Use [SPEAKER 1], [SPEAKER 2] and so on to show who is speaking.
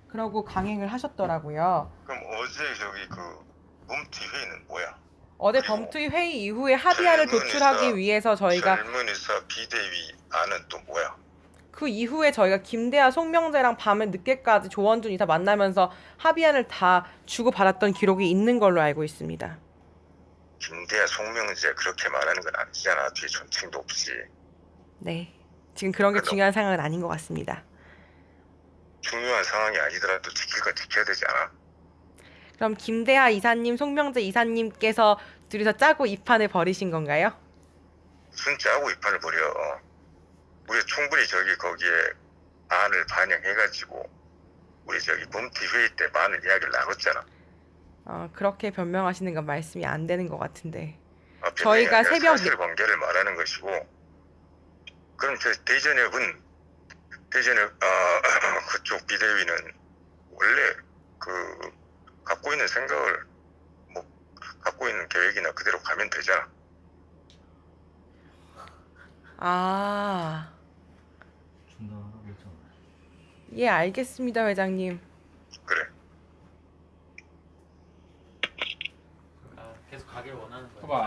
[SPEAKER 1] 그러고 강행을 하셨더라고요.
[SPEAKER 2] 그럼 어제 저기 그 뭉티 회의는 뭐야?
[SPEAKER 1] 어제
[SPEAKER 2] 그리고
[SPEAKER 1] 범투의 회의 이후에 합의안을 도출하기 위해서 저희가
[SPEAKER 2] 젊은이사 비대위 안은 또 뭐야?
[SPEAKER 1] 그 이후에 저희가 김대하, 송명재랑 밤에 늦게까지 조원준 이사 만나면서 합의안을 다 주고받았던 기록이 있는 걸로 알고 있습니다.
[SPEAKER 2] 김대하, 송명재 그렇게 말하는 건 아니잖아. 뒤에 존칭도 없이.
[SPEAKER 1] 네. 지금 그런 게
[SPEAKER 2] 그러니까
[SPEAKER 1] 중요한 상황은 아닌 것 같습니다.
[SPEAKER 2] 중요한 상황이 아니더라도 지킬 건 지켜야 되지 않아?
[SPEAKER 1] 그럼 김대하 이사님, 송명재 이사님께서 둘이서 짜고 이 판을 벌이신 건가요?
[SPEAKER 2] 무슨 짜고 이 판을 벌여. 우리 충분히 저기 거기에 안을 반영해가지고 우리 저기 뭉티 회의 때 많은 이야기를 나눴잖아.
[SPEAKER 1] 그렇게 변명하시는 건 말씀이 안 되는 것 같은데.
[SPEAKER 2] 변명이
[SPEAKER 1] 저희가
[SPEAKER 2] 아니라
[SPEAKER 1] 새벽
[SPEAKER 2] 사실관계를 말하는 것이고, 그럼 저 대전역은 그쪽 비대위는 원래 그 갖고 있는 생각을 뭐 갖고 있는 계획이나 그대로 가면 되잖아.
[SPEAKER 1] 아, 예, 알겠습니다, 회장님.
[SPEAKER 2] 그래.
[SPEAKER 3] 계속 가길 원하는 거야.